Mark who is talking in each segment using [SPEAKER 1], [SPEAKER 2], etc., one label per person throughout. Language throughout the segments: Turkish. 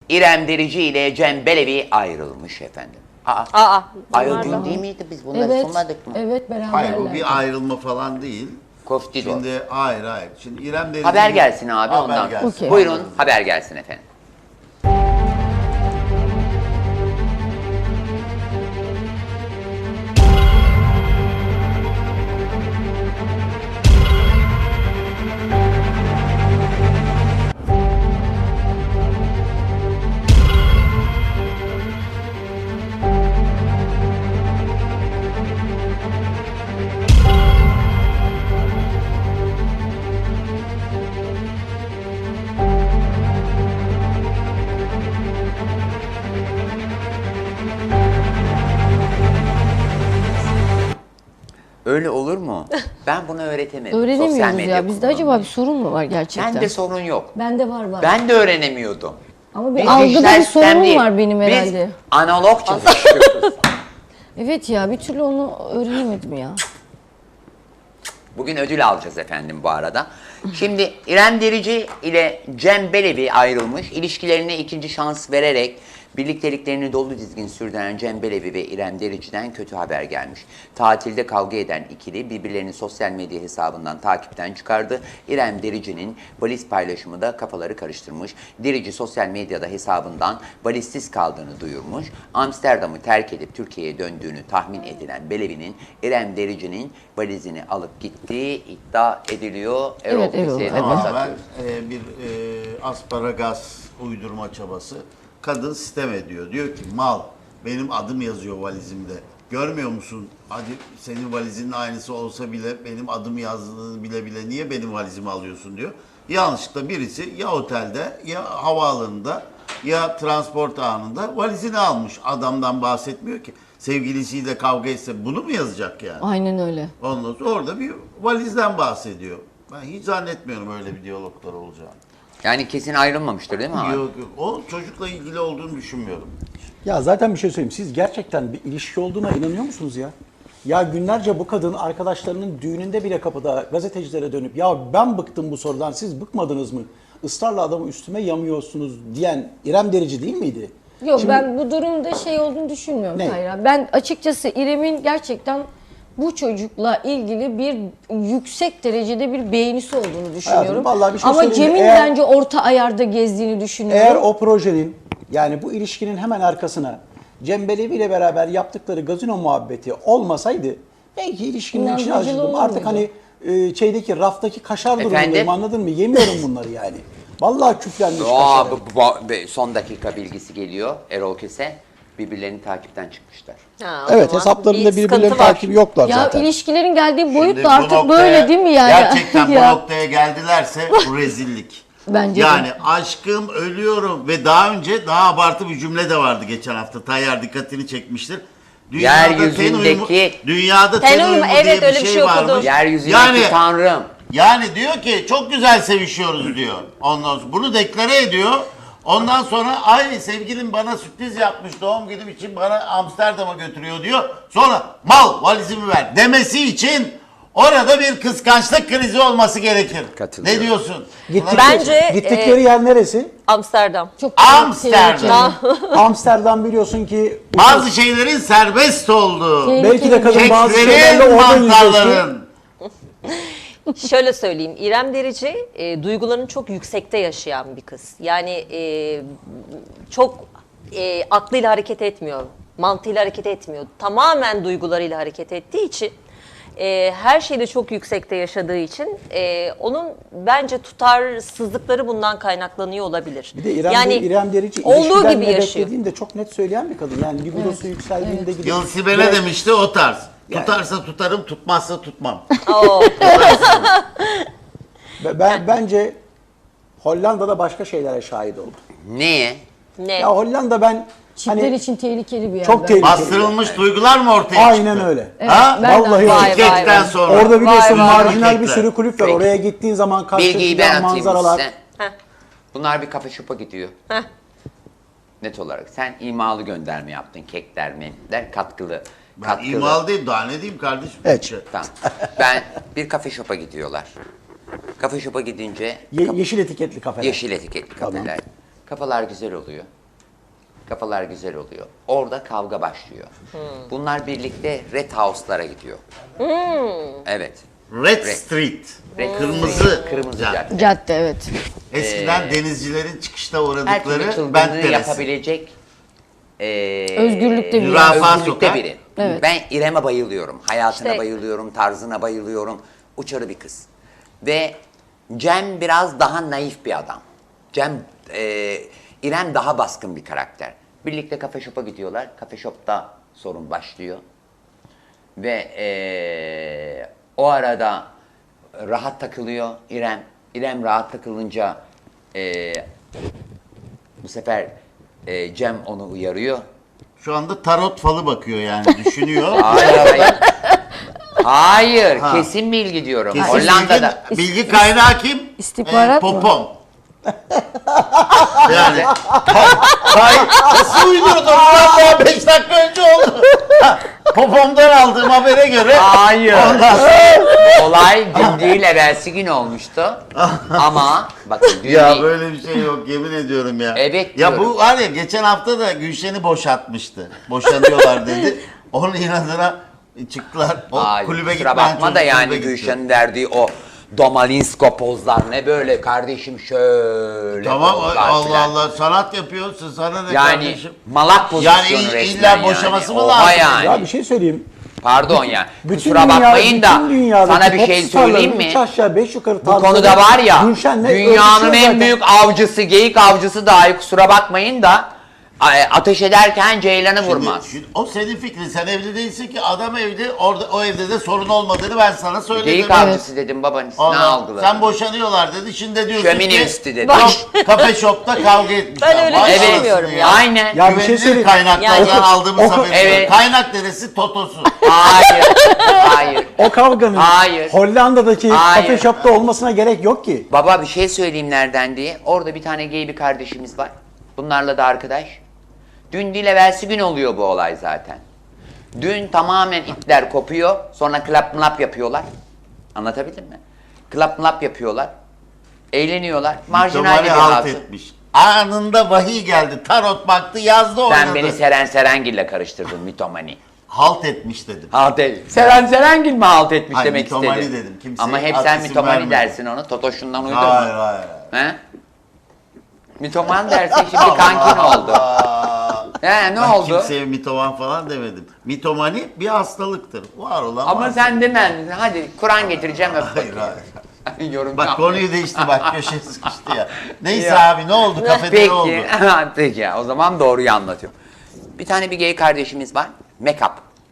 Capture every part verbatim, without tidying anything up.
[SPEAKER 1] İrem Derici ile Cem Belevi ayrılmış efendim. Aa,
[SPEAKER 2] Aa,
[SPEAKER 1] ayrıldın değil miydi? Biz bunları
[SPEAKER 3] Evet,
[SPEAKER 1] sunmadık mı?
[SPEAKER 3] evet beraberler.
[SPEAKER 4] Hayır bu bir ayrılma falan değil.
[SPEAKER 1] Koftido.
[SPEAKER 4] Şimdi hayır hayır. Şimdi İrem Derici...
[SPEAKER 1] Haber gelsin abi
[SPEAKER 4] Haber
[SPEAKER 1] ondan.
[SPEAKER 4] gelsin.
[SPEAKER 3] Okey.
[SPEAKER 1] Buyurun haber gelsin efendim. Öyle olur mu? Ben bunu öğretemedim. Sosyal
[SPEAKER 3] Öğrenemiyoruz
[SPEAKER 1] medya
[SPEAKER 3] ya. Bizde
[SPEAKER 1] kullanımı.
[SPEAKER 3] acaba bir sorun mu var gerçekten?
[SPEAKER 1] Bende sorun yok.
[SPEAKER 3] Bende var var.
[SPEAKER 1] Ben de öğrenemiyordum.
[SPEAKER 3] Ama bir
[SPEAKER 1] Biz
[SPEAKER 3] algıda
[SPEAKER 1] dijital
[SPEAKER 3] bir
[SPEAKER 1] sistem
[SPEAKER 3] sorunum
[SPEAKER 1] değil.
[SPEAKER 3] var benim herhalde.
[SPEAKER 1] Biz analog çalışıyoruz.
[SPEAKER 3] Evet ya bir türlü onu öğrenemedim ya.
[SPEAKER 1] Bugün ödül alacağız efendim bu arada. Şimdi İrem Derici ile Cem Belevi ayrılmış. İlişkilerine ikinci şans vererek birlikteliklerini dolu dizgin sürdüren Cem Belevi ve İrem Derici'den kötü haber gelmiş. Tatilde kavga eden ikili birbirlerini sosyal medya hesabından takipten çıkardı. İrem Derici'nin valiz paylaşımı da kafaları karıştırmış. Derici sosyal medyada hesabından valizsiz kaldığını duyurmuş. Amsterdam'ı terk edip Türkiye'ye döndüğünü tahmin edilen Belevi'nin İrem Derici'nin valizini alıp gittiği iddia ediliyor. Erol
[SPEAKER 3] Evet, evet,
[SPEAKER 1] Köse'ye de
[SPEAKER 3] evet.
[SPEAKER 1] pas
[SPEAKER 4] Tamamen
[SPEAKER 1] atıyor.
[SPEAKER 4] e, bir e, asparagas uydurma çabası. Kadın sitem ediyor. Diyor ki mal benim adım yazıyor valizimde. Görmüyor musun? Hadi senin valizinin aynısı olsa bile benim adım yazdığını bile bile niye benim valizimi alıyorsun diyor. Yanlışlıkla birisi ya otelde ya havaalanında ya transport anında valizini almış. Adamdan bahsetmiyor ki. Sevgilisiyle kavga etse bunu mu yazacak yani?
[SPEAKER 3] Aynen öyle.
[SPEAKER 4] Ondan sonra orada bir valizden bahsediyor. Ben hiç zannetmiyorum öyle bir diyaloglar olacağını.
[SPEAKER 1] Yani kesin ayrılmamıştır değil mi abi?
[SPEAKER 4] Yok yok. O çocukla ilgili olduğunu düşünmüyorum.
[SPEAKER 5] Ya zaten bir şey söyleyeyim. Siz gerçekten bir ilişki olduğuna inanıyor musunuz ya? Ya günlerce bu kadın arkadaşlarının düğününde bile kapıda gazetecilere dönüp ya ben bıktım bu sorudan siz bıkmadınız mı? Israrla adamı üstüme yamıyorsunuz diyen İrem Derici değil miydi?
[SPEAKER 3] Yok
[SPEAKER 5] Şimdi-
[SPEAKER 3] ben bu durumda şey olduğunu düşünmüyorum
[SPEAKER 5] Ne?
[SPEAKER 3] Kayra. Ben açıkçası İrem'in gerçekten bu çocukla ilgili bir yüksek derecede bir beğenisi olduğunu düşünüyorum.
[SPEAKER 5] vallahi bir şey
[SPEAKER 3] Ama
[SPEAKER 5] söyleyeyim mi?
[SPEAKER 3] Cem'in
[SPEAKER 5] Eğer-
[SPEAKER 3] bence orta ayarda gezdiğini düşünüyorum.
[SPEAKER 5] Eğer o projenin yani bu ilişkinin hemen arkasına Cem Belevi ile beraber yaptıkları gazino muhabbeti olmasaydı belki ilişkinin içine
[SPEAKER 3] İnandırıcı
[SPEAKER 5] acıdım.
[SPEAKER 3] olur
[SPEAKER 5] Artık
[SPEAKER 3] muydu?
[SPEAKER 5] hani e, şeydeki raftaki kaşar
[SPEAKER 1] Efendim?
[SPEAKER 5] durumundayım anladın mı? Yemiyorum bunları yani. Vallahi küflenmiş
[SPEAKER 1] Aa,
[SPEAKER 5] kaşarı.
[SPEAKER 1] bu, bu- bu- son dakika bilgisi geliyor Erol Köse. Birbirlerini takipten çıkmışlar.
[SPEAKER 2] Ha, o
[SPEAKER 5] Evet
[SPEAKER 2] zaman
[SPEAKER 5] hesaplarında
[SPEAKER 2] bir
[SPEAKER 5] birbirlerinin
[SPEAKER 2] sıkıntı var.
[SPEAKER 5] takibi yoklar
[SPEAKER 3] Ya
[SPEAKER 5] zaten.
[SPEAKER 3] ilişkilerin geldiği boyut
[SPEAKER 4] Şimdi
[SPEAKER 3] da
[SPEAKER 4] bu
[SPEAKER 3] artık
[SPEAKER 4] noktaya-
[SPEAKER 3] böyle değil mi yani?
[SPEAKER 4] Gerçekten
[SPEAKER 3] Ya.
[SPEAKER 4] bu noktaya geldilerse bu rezillik.
[SPEAKER 3] Bence de.
[SPEAKER 4] Yani aşkım ölüyorum ve daha önce daha abartı bir cümle de vardı geçen hafta. Tayyar dikkatini çekmiştir.
[SPEAKER 1] Yeryüzündeki-
[SPEAKER 4] uyumu, dünyada ten,
[SPEAKER 2] Ten
[SPEAKER 4] uyumu,
[SPEAKER 2] uyumu,
[SPEAKER 4] diye
[SPEAKER 2] evet,
[SPEAKER 4] bir
[SPEAKER 2] öyle bir
[SPEAKER 4] şey,
[SPEAKER 2] şey okudum.
[SPEAKER 4] varmış.
[SPEAKER 1] Yeryüzündeki
[SPEAKER 4] Yani
[SPEAKER 1] tanrım.
[SPEAKER 4] Yani diyor ki çok güzel sevişiyoruz diyor. Ondan sonra bunu deklare ediyor. Ondan sonra ay sevgilim bana sürpriz yapmış doğum günüm için bana Amsterdam'a götürüyor diyor. Sonra mal valizimi ver demesi için orada bir kıskançlık krizi olması gerekir.
[SPEAKER 1] Katılıyorum.
[SPEAKER 4] Ne diyorsun?
[SPEAKER 5] Gittikleri,
[SPEAKER 2] Bence,
[SPEAKER 5] gittikleri
[SPEAKER 2] e,
[SPEAKER 5] yer neresi?
[SPEAKER 2] Amsterdam.
[SPEAKER 3] Çok
[SPEAKER 4] Amsterdam.
[SPEAKER 5] Amsterdam biliyorsun ki
[SPEAKER 4] Bazı şeylerin serbest olduğu,
[SPEAKER 3] Tehlikeli.
[SPEAKER 5] belki de kadın bazı şeylerle
[SPEAKER 4] keklerin,
[SPEAKER 5] orada yüzleşti.
[SPEAKER 4] mantarların.
[SPEAKER 2] Şöyle söyleyeyim, İrem Derici e, duygularını çok yüksekte yaşayan bir kız. Yani e, çok e, aklıyla hareket etmiyor, mantığıyla hareket etmiyor. Tamamen duygularıyla hareket ettiği için, e, her şeyde çok yüksekte yaşadığı için e, onun bence tutarsızlıkları bundan kaynaklanıyor olabilir.
[SPEAKER 5] Bir de İrem,
[SPEAKER 2] yani
[SPEAKER 5] İrem Derici
[SPEAKER 2] olduğu
[SPEAKER 5] ilişkiden
[SPEAKER 2] gibi
[SPEAKER 5] ne
[SPEAKER 2] yaşıyor.
[SPEAKER 5] beklediğini de çok net söyleyen bir kadın. Yani libidosu yükseldiğinde gidip...
[SPEAKER 4] Yıl ne
[SPEAKER 5] Ve-
[SPEAKER 4] demişti o tarz. Tutarsa tutarım, tutmazsa tutmam.
[SPEAKER 2] Oo.
[SPEAKER 5] Ve Ben, bence Hollanda'da başka şeylere şahit oldum.
[SPEAKER 1] Neye?
[SPEAKER 2] Ne?
[SPEAKER 5] Ya Hollanda ben
[SPEAKER 3] Çiftler
[SPEAKER 5] hani
[SPEAKER 3] için tehlikeli bir yer.
[SPEAKER 5] çok
[SPEAKER 3] bence.
[SPEAKER 5] tehlikeli.
[SPEAKER 4] Bastırılmış duygular mı ortaya çıktı?
[SPEAKER 5] Aynen öyle.
[SPEAKER 4] Ha?
[SPEAKER 3] ben de-
[SPEAKER 5] Vallahi
[SPEAKER 2] Vay
[SPEAKER 5] öyle.
[SPEAKER 2] vay
[SPEAKER 4] Kekten
[SPEAKER 2] vay.
[SPEAKER 4] sonra.
[SPEAKER 5] Orada biliyorsun
[SPEAKER 2] Vay vay.
[SPEAKER 5] marjinal bir
[SPEAKER 4] Kekler.
[SPEAKER 5] sürü kulüp var.
[SPEAKER 1] Peki.
[SPEAKER 5] Oraya gittiğin zaman
[SPEAKER 1] Bilgiyi
[SPEAKER 5] karşıdaki
[SPEAKER 1] ben atayım
[SPEAKER 5] manzaralar.
[SPEAKER 1] size.
[SPEAKER 2] Heh.
[SPEAKER 1] Bunlar bir kafa şopa gidiyor.
[SPEAKER 2] Heh.
[SPEAKER 1] Net olarak. Sen imalı gönderme yaptın. Kekler, menüler, katkılı.
[SPEAKER 4] Ben
[SPEAKER 1] katkılı.
[SPEAKER 4] imal değil daha ne diyeyim kardeşim?
[SPEAKER 5] Evet.
[SPEAKER 1] Tamam. Ben bir kafe şopa gidiyorlar. Kafe şopa gidince
[SPEAKER 5] Ye- yeşil etiketli kafeler.
[SPEAKER 1] yeşil etiketli
[SPEAKER 5] Tamam.
[SPEAKER 1] kafeler. Kafalar güzel oluyor. Kafalar güzel oluyor. Orada kavga başlıyor. Bunlar birlikte Red House'lara gidiyor. Evet.
[SPEAKER 4] Red
[SPEAKER 1] Red.
[SPEAKER 4] Street.
[SPEAKER 1] Red
[SPEAKER 4] Kırmızı.
[SPEAKER 1] Street, Kırmızı
[SPEAKER 4] cadde.
[SPEAKER 1] cadde.
[SPEAKER 3] Cadde evet.
[SPEAKER 4] Eskiden denizcilerin çıkışta
[SPEAKER 1] Her türlü
[SPEAKER 4] uğradıkları
[SPEAKER 1] çılgınlığı
[SPEAKER 4] Bent Teresi.
[SPEAKER 1] yapabilecek eee
[SPEAKER 3] Özgürlükte bir
[SPEAKER 4] Zürafa
[SPEAKER 3] yer.
[SPEAKER 1] özgürlükte
[SPEAKER 4] sokak.
[SPEAKER 1] biri.
[SPEAKER 3] Evet.
[SPEAKER 1] Ben İrem'e bayılıyorum. Hayatına
[SPEAKER 2] İşte-
[SPEAKER 1] bayılıyorum, tarzına bayılıyorum. Uçarı bir kız. Ve Cem biraz daha naif bir adam. Cem, eee İrem daha baskın bir karakter. Birlikte kafe shop'a gidiyorlar. Kafe shop'ta sorun başlıyor. Ve eee, o arada rahat takılıyor İrem. İrem rahat takılınca eee, bu sefer eee, Cem onu uyarıyor.
[SPEAKER 4] Şu anda tarot falı bakıyor yani düşünüyor.
[SPEAKER 1] Hayır, hayır. Hayır,
[SPEAKER 4] Ha.
[SPEAKER 1] kesin bilgi diyorum.
[SPEAKER 4] Kesin
[SPEAKER 1] Hollanda'da.
[SPEAKER 4] Bilgi, bilgi kaynağı kim?
[SPEAKER 3] İstihbarat mı?
[SPEAKER 4] Popom. Yani. Hayır. Nasıl uydurdun? Ulan daha beş dakika önce oldu. Ha, Popom'dan aldığım habere göre.
[SPEAKER 1] Hayır.
[SPEAKER 4] Ondan sonra.
[SPEAKER 1] Olay dün değil, evvelsi gün olmuştu. Ama bakın dün
[SPEAKER 4] Ya
[SPEAKER 1] değil.
[SPEAKER 4] böyle bir şey yok yemin ediyorum ya.
[SPEAKER 1] Evet
[SPEAKER 4] Ya
[SPEAKER 1] diyorum.
[SPEAKER 4] bu var ya geçen hafta da Gülşen'i boşatmıştı. Boşanıyorlar dedi. Onun inadına çıktılar. O
[SPEAKER 1] Hayır,
[SPEAKER 4] kulübe
[SPEAKER 1] kusura
[SPEAKER 4] gitmeyen
[SPEAKER 1] bakma da
[SPEAKER 4] çocuk
[SPEAKER 1] yani
[SPEAKER 4] kulübe gitti.
[SPEAKER 1] Gülşen'in verdiği o Domalinsko pozlar ne böyle kardeşim şöyle
[SPEAKER 4] Tamam
[SPEAKER 1] pozlar
[SPEAKER 4] Allah
[SPEAKER 1] filan.
[SPEAKER 4] Allah sanat yapıyorsun sana ne
[SPEAKER 1] Yani
[SPEAKER 4] kardeşim?
[SPEAKER 1] malak pozisyonu
[SPEAKER 4] Yani il-
[SPEAKER 1] resmen
[SPEAKER 4] illa
[SPEAKER 1] yani.
[SPEAKER 4] boşaması mı
[SPEAKER 1] Oha
[SPEAKER 4] lazım?
[SPEAKER 1] yani.
[SPEAKER 5] Ya bir şey söyleyeyim.
[SPEAKER 1] Pardon ya.
[SPEAKER 5] Bütün
[SPEAKER 1] Kusura
[SPEAKER 5] dünya-
[SPEAKER 1] bakmayın da
[SPEAKER 5] bütün dünyadaki
[SPEAKER 1] sana bir
[SPEAKER 5] pop
[SPEAKER 1] şey
[SPEAKER 5] starların
[SPEAKER 1] söyleyeyim mi?
[SPEAKER 5] üç aşağı beş yukarı
[SPEAKER 1] Bu
[SPEAKER 5] tarzları
[SPEAKER 1] konuda var ya
[SPEAKER 5] Gülşen'le
[SPEAKER 1] dünyanın
[SPEAKER 5] örtüşüyor
[SPEAKER 1] en
[SPEAKER 5] zaten.
[SPEAKER 1] büyük avcısı, geyik avcısı dahi kusura bakmayın da a- ateş ederken Ceylan'ı vurmaz.
[SPEAKER 4] Şimdi, o senin fikrin. Sen evli değilsin ki adam evli. Orada o evde de sorun olmadığını ben sana söyledim.
[SPEAKER 1] Geyik avcısı dedim babanız. Ne
[SPEAKER 4] Ondan-
[SPEAKER 1] algıladın?
[SPEAKER 4] sen boşanıyorlar dedi. Şimdi de diyorsun
[SPEAKER 1] Şömine
[SPEAKER 4] ki
[SPEAKER 1] üstü dedi.
[SPEAKER 4] yok kafe shop'ta kavga etmişler.
[SPEAKER 2] Ben öyle
[SPEAKER 4] Vay
[SPEAKER 2] düşünmüyorum
[SPEAKER 4] anasını
[SPEAKER 2] ya.
[SPEAKER 1] Aynen.
[SPEAKER 5] Ya bir şey
[SPEAKER 4] Güvenilir
[SPEAKER 5] söyleyeyim.
[SPEAKER 4] kaynaklardan
[SPEAKER 2] Yani-
[SPEAKER 4] aldığımız
[SPEAKER 5] Oku-
[SPEAKER 4] haberler.
[SPEAKER 1] Evet.
[SPEAKER 4] Kaynak neresi? Totosu.
[SPEAKER 1] Hayır. Hayır.
[SPEAKER 5] O kavganın
[SPEAKER 1] Hayır.
[SPEAKER 5] Hollanda'daki
[SPEAKER 1] Hayır.
[SPEAKER 5] kafe shop'ta olmasına gerek yok ki.
[SPEAKER 1] Baba bir şey söyleyeyim nereden diye. Orada bir tane gay bir kardeşimiz var. Bunlarla da arkadaş. Dün değil evvelsi gün oluyor bu olay zaten. Dün tamamen ipler kopuyor. Sonra klap mlap yapıyorlar. Anlatabildim mi? Klap mlap yapıyorlar. Eğleniyorlar. Marjinal
[SPEAKER 4] Mütemali
[SPEAKER 1] bir
[SPEAKER 4] halt
[SPEAKER 1] hatun.
[SPEAKER 4] etmiş. Anında vahiy geldi. Tarot baktı yazdı oynadı.
[SPEAKER 1] Sen beni Seren Serengil'le karıştırdın mitomani.
[SPEAKER 4] halt etmiş dedim.
[SPEAKER 1] Halt et. Seren Serengil mi halt etmiş
[SPEAKER 4] Hayır,
[SPEAKER 1] demek
[SPEAKER 4] mitomani
[SPEAKER 1] istedi.
[SPEAKER 4] dedim. Kimseye
[SPEAKER 1] Ama hep
[SPEAKER 4] ad
[SPEAKER 1] sen
[SPEAKER 4] isim
[SPEAKER 1] mitomani
[SPEAKER 4] vermedim.
[SPEAKER 1] dersin onu. Totoşundan uydurma.
[SPEAKER 4] Hayır hayır.
[SPEAKER 1] He? Mitoman dersin şimdi kankin oldu.
[SPEAKER 4] Aa,
[SPEAKER 1] He ne
[SPEAKER 4] ben
[SPEAKER 1] oldu?
[SPEAKER 4] kimseye mitoman falan demedim. Mitomani bir hastalıktır. Var olan
[SPEAKER 1] Ama
[SPEAKER 4] var.
[SPEAKER 1] sen demedin. Hadi Kur'an getireceğim öp
[SPEAKER 4] Hayır
[SPEAKER 1] bakayım.
[SPEAKER 4] hayır.
[SPEAKER 1] Yorum
[SPEAKER 4] Bak
[SPEAKER 1] yapma.
[SPEAKER 4] konuyu değişti bak köşeye sıkıştı ya. Neyse
[SPEAKER 1] Ya.
[SPEAKER 4] abi ne oldu kafede ne oldu?
[SPEAKER 1] Peki. Peki ya o zaman doğruyu anlatıyorum. Bir tane bir gay kardeşimiz var. Make-up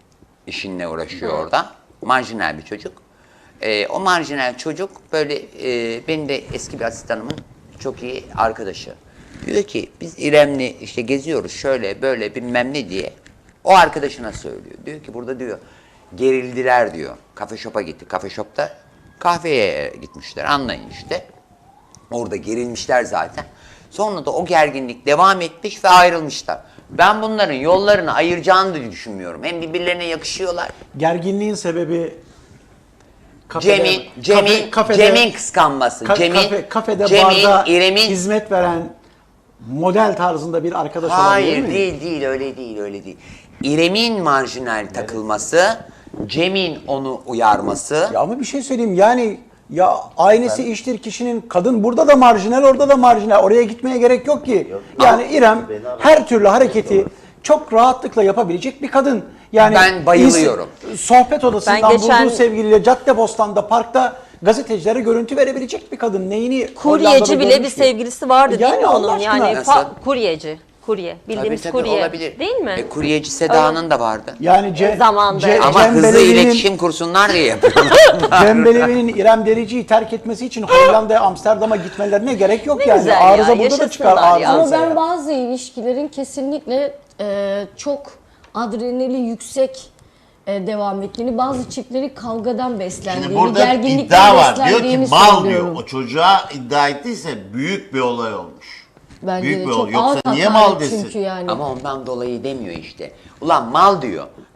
[SPEAKER 1] işinle uğraşıyor orada. Marjinal bir çocuk. Ee, o marjinal çocuk böyle e, benim de eski bir asistanımın çok iyi arkadaşı. Diyor ki biz İrem'le işte geziyoruz şöyle böyle bilmem ne diye. O arkadaşına söylüyor. Diyor ki burada diyor gerildiler diyor. Kafe shop'a gitti. Kafe shop'ta kahveye gitmişler anlayın işte. Orada gerilmişler zaten. Sonra da o gerginlik devam etmiş ve ayrılmışlar. Ben bunların yollarını ayıracağını da düşünmüyorum. Hem birbirlerine yakışıyorlar.
[SPEAKER 5] Gerginliğin sebebi kafede-
[SPEAKER 1] Cem'in, Cem'in,
[SPEAKER 5] kafe- kafede-
[SPEAKER 1] Cem'in kıskanması.
[SPEAKER 5] ka-
[SPEAKER 1] Cem'in,
[SPEAKER 5] kafe- kafede
[SPEAKER 1] Cem'in,
[SPEAKER 5] barda
[SPEAKER 1] İrem'in...
[SPEAKER 5] hizmet veren model tarzında bir arkadaş olabilir
[SPEAKER 1] Hayır
[SPEAKER 5] mi?
[SPEAKER 1] değil değil öyle değil öyle değil. İrem'in marjinal takılması, Cem'in onu uyarması.
[SPEAKER 5] Ya ama bir şey söyleyeyim yani ya aynısı iştir kişinin kadın burada da marjinal orada da marjinal oraya gitmeye gerek yok ki. Yani İrem her türlü hareketi çok rahatlıkla yapabilecek bir kadın. Yani
[SPEAKER 1] Ben bayılıyorum.
[SPEAKER 5] ins- Sohbet odasından
[SPEAKER 2] Ben geçen-
[SPEAKER 5] bulduğu sevgiliyle Caddebostan'da parkta gazetecilere görüntü verebilecek bir kadın. Neyini Hollanda'da
[SPEAKER 2] Kuryeci bile bir
[SPEAKER 5] görmüş ki?
[SPEAKER 2] sevgilisi vardı değil
[SPEAKER 5] Yani
[SPEAKER 2] mi
[SPEAKER 5] Allah
[SPEAKER 2] onun?
[SPEAKER 5] aşkına.
[SPEAKER 2] Yani
[SPEAKER 1] Nasıl?
[SPEAKER 2] fa- kuryeci. Kurye.
[SPEAKER 1] Tabii
[SPEAKER 2] Bildiğimiz
[SPEAKER 1] tabii
[SPEAKER 2] kurye.
[SPEAKER 1] olabilir.
[SPEAKER 2] Değil mi?
[SPEAKER 1] E, kuryeci Seda'nın da vardı.
[SPEAKER 5] Yani Ce,
[SPEAKER 2] Zamanda.
[SPEAKER 5] Ce-
[SPEAKER 1] Ama
[SPEAKER 5] Cem
[SPEAKER 1] hızlı
[SPEAKER 5] Belevi'nin-
[SPEAKER 1] iletişim kursunlar diye yapıyorlar.
[SPEAKER 5] Cem Belevi'nin İrem Derici'yi terk etmesi için Hollanda'ya, Amsterdam'a gitmelerine gerek yok
[SPEAKER 2] Ne
[SPEAKER 5] yani.
[SPEAKER 2] güzel ya,
[SPEAKER 5] Arıza burada da çıkar.
[SPEAKER 2] yaşasınlar ya.
[SPEAKER 5] Arıza.
[SPEAKER 3] Ama ben bazı ilişkilerin kesinlikle e, çok adrenali yüksek e, devam ettiğini, bazı çiftlerin kavgadan beslendiğini,
[SPEAKER 4] Şimdi burada bir
[SPEAKER 3] gerginlikten
[SPEAKER 4] iddia var. Diyor ki
[SPEAKER 3] beslendiğini
[SPEAKER 4] mal
[SPEAKER 3] söylüyorum.
[SPEAKER 4] diyor. O çocuğa iddia ettiyse büyük bir olay olmuş.
[SPEAKER 3] Bence
[SPEAKER 4] büyük
[SPEAKER 3] de
[SPEAKER 4] bir
[SPEAKER 3] çok
[SPEAKER 4] olay. Yoksa
[SPEAKER 3] ağır
[SPEAKER 4] niye
[SPEAKER 3] hakaret
[SPEAKER 4] mal desin?
[SPEAKER 3] Çünkü yani.
[SPEAKER 1] Ama ondan dolayı demiyor işte. Ulan mal diyor.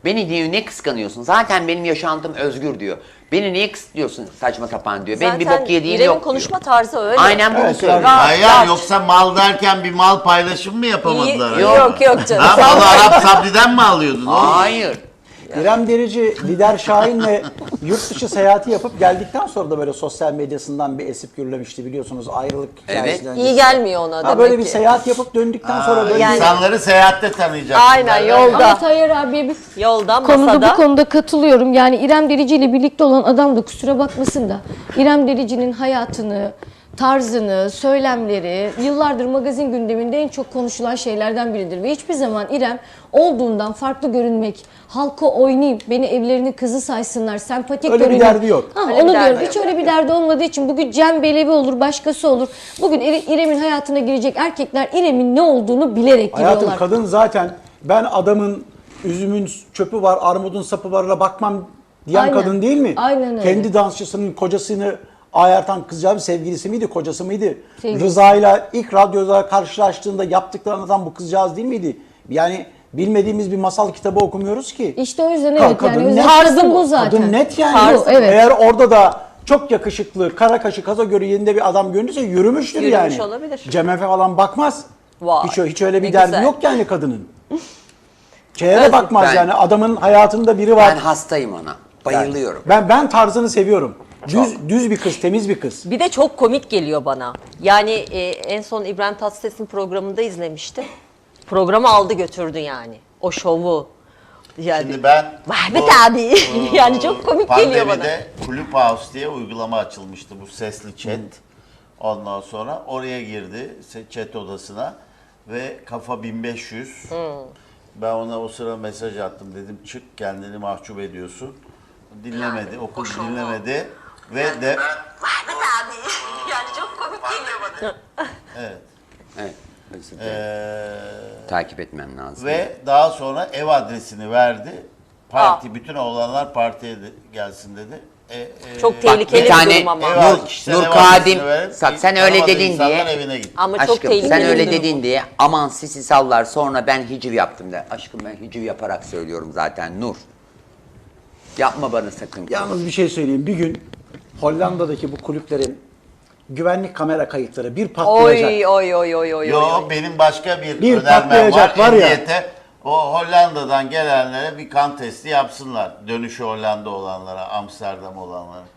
[SPEAKER 1] Beni diyor ne kıskanıyorsun? Zaten benim yaşantım özgür diyor. Beni niye kısıtlıyorsun saçma sapan diyor. Benim bir bok yediğim
[SPEAKER 2] İrem'in
[SPEAKER 1] yok
[SPEAKER 2] konuşma
[SPEAKER 1] diyor.
[SPEAKER 2] tarzı öyle.
[SPEAKER 1] Aynen bunu
[SPEAKER 5] Evet,
[SPEAKER 1] söylüyor.
[SPEAKER 5] yani-
[SPEAKER 4] Hayır
[SPEAKER 2] rahat.
[SPEAKER 4] yoksa mal derken bir mal paylaşımı mı yapamadılar?
[SPEAKER 2] İyi-
[SPEAKER 4] acaba?
[SPEAKER 2] yok yok canım.
[SPEAKER 4] Ha, malı Arap Sabri'den mi alıyordun?
[SPEAKER 1] Hayır.
[SPEAKER 5] İrem Derici, Lider Şahin'le yurt dışı seyahati yapıp geldikten sonra da böyle sosyal medyasından bir esip gürlemişti biliyorsunuz ayrılık hikayesinden.
[SPEAKER 1] Evet.
[SPEAKER 2] İyi gelmiyor ona
[SPEAKER 5] Ha,
[SPEAKER 2] demek
[SPEAKER 5] böyle bir
[SPEAKER 2] ki.
[SPEAKER 5] seyahat yapıp döndükten sonra
[SPEAKER 4] Ha,
[SPEAKER 5] böyle
[SPEAKER 2] Yani-
[SPEAKER 4] İnsanları seyahatte tanıyacaksın.
[SPEAKER 2] Aynen,
[SPEAKER 4] derler.
[SPEAKER 2] yolda.
[SPEAKER 3] Ama Tayyar abiye bir
[SPEAKER 2] Yoldan
[SPEAKER 3] konuda
[SPEAKER 2] masada.
[SPEAKER 3] bu konuda katılıyorum. Yani İrem Derici ile birlikte olan adam da kusura bakmasın da İrem Derici'nin hayatını, tarzını, söylemleri yıllardır magazin gündeminde en çok konuşulan şeylerden biridir. Ve hiçbir zaman İrem olduğundan farklı görünmek, halka oynayayım, beni evlerinin kızı saysınlar, sempatik
[SPEAKER 5] Öyle bir
[SPEAKER 3] görüneyim.
[SPEAKER 5] derdi yok.
[SPEAKER 3] Ha,
[SPEAKER 2] Öyle bir
[SPEAKER 3] onu
[SPEAKER 2] derdi
[SPEAKER 3] diyorum.
[SPEAKER 2] yok.
[SPEAKER 3] Hiç öyle bir derdi olmadığı için bugün Cem Belevi olur, başkası olur. Bugün İre- İrem'in hayatına girecek erkekler İrem'in ne olduğunu bilerek
[SPEAKER 5] Hayatım
[SPEAKER 3] giriyorlar.
[SPEAKER 5] kadın zaten ben adamın üzümün çöpü var, armudun sapı varla bakmam diyen
[SPEAKER 3] Aynen.
[SPEAKER 5] kadın değil mi?
[SPEAKER 3] Aynen öyle.
[SPEAKER 5] Kendi dansçısının kocasını ayartan kızcağız sevgilisi miydi, kocası mıydı?
[SPEAKER 3] Sevgilisi.
[SPEAKER 5] Rıza'yla ilk radyoda karşılaştığında yaptıklarını adam bu kızcağız değil miydi? Yani bilmediğimiz bir masal kitabı okumuyoruz ki.
[SPEAKER 3] İşte o yüzden
[SPEAKER 5] Ka-
[SPEAKER 3] evet
[SPEAKER 5] kadın
[SPEAKER 3] yani
[SPEAKER 5] net.
[SPEAKER 3] özel tarzım bu zaten.
[SPEAKER 5] Kadın net yani.
[SPEAKER 3] Tarzı, evet.
[SPEAKER 5] Eğer orada da çok yakışıklı, kara kaşı, kaza göre yerinde bir adam görünürse yürümüştür
[SPEAKER 2] Yürümüş
[SPEAKER 5] yani.
[SPEAKER 2] olabilir.
[SPEAKER 5] Cem Efe falan bakmaz.
[SPEAKER 2] Vay,
[SPEAKER 5] Hiç, hiç öyle bir
[SPEAKER 2] ne
[SPEAKER 5] derdi
[SPEAKER 2] güzel.
[SPEAKER 5] yok yani kadının. Şeye de
[SPEAKER 2] Evet,
[SPEAKER 5] bakmaz
[SPEAKER 1] ben-
[SPEAKER 5] yani adamın hayatında biri var.
[SPEAKER 1] Ben hastayım ona. Bayılıyorum.
[SPEAKER 5] Ben ben tarzını seviyorum. Düz
[SPEAKER 1] Çok.
[SPEAKER 5] düz bir kız, temiz bir kız.
[SPEAKER 2] Bir de çok komik geliyor bana. Yani e, en son İbrahim Tatlıses'in programında izlemiştim. Programı aldı götürdü yani. O şovu. Yani
[SPEAKER 4] Şimdi ben
[SPEAKER 2] Vahmet
[SPEAKER 4] bu-
[SPEAKER 2] abi. Yani çok komik geliyor bana.
[SPEAKER 4] Pandemide Clubhouse diye uygulama açılmıştı, bu sesli chat. Ondan sonra oraya girdi se- chat odasına ve kafa bin beş yüz. Ben ona o sıra mesaj attım, dedim çık kendini mahcup ediyorsun. Dinlemedi, o kız dinlemedi ve de
[SPEAKER 2] Vahmet abi. Yani çok komik geliyor bana.
[SPEAKER 4] evet.
[SPEAKER 1] Evet. özür dilerim.
[SPEAKER 4] Ee,
[SPEAKER 1] Takip etmem lazım.
[SPEAKER 4] ve daha sonra ev adresini verdi. Parti, bütün oğlanlar partiye de gelsin dedi. E, e,
[SPEAKER 2] Çok tehlikeli
[SPEAKER 1] bir
[SPEAKER 2] bir,
[SPEAKER 1] tane
[SPEAKER 2] durum ama.
[SPEAKER 4] ev
[SPEAKER 1] Nur-
[SPEAKER 4] al- kişisel
[SPEAKER 1] Nur
[SPEAKER 4] ev
[SPEAKER 1] Kadim,
[SPEAKER 4] adresini verip
[SPEAKER 1] bak sen öyle
[SPEAKER 4] tanımadığı
[SPEAKER 1] dedin
[SPEAKER 4] insanlar
[SPEAKER 1] diye-
[SPEAKER 4] evine gitti.
[SPEAKER 2] Ama çok
[SPEAKER 1] Aşkım
[SPEAKER 2] tehlikeli
[SPEAKER 1] sen
[SPEAKER 2] bir
[SPEAKER 1] öyle
[SPEAKER 2] durum.
[SPEAKER 1] dedin diye aman sisi sallar sonra ben hiciv yaptım de. Aşkım ben hiciv yaparak söylüyorum zaten Nur. Yapma bana sakın.
[SPEAKER 5] Yalnız bir şey söyleyeyim. Bir gün Hollanda'daki bu kulüplerin güvenlik kamera kayıtları bir patlayacak.
[SPEAKER 2] Oy oy oy oy oy.
[SPEAKER 4] Yo
[SPEAKER 2] oy.
[SPEAKER 4] benim başka bir,
[SPEAKER 5] Bir
[SPEAKER 4] önermem var.
[SPEAKER 5] patlayacak var ya.
[SPEAKER 4] Emniyete o Hollanda'dan gelenlere bir kan testi yapsınlar. Dönüşü Hollanda olanlara, Amsterdam olanlara.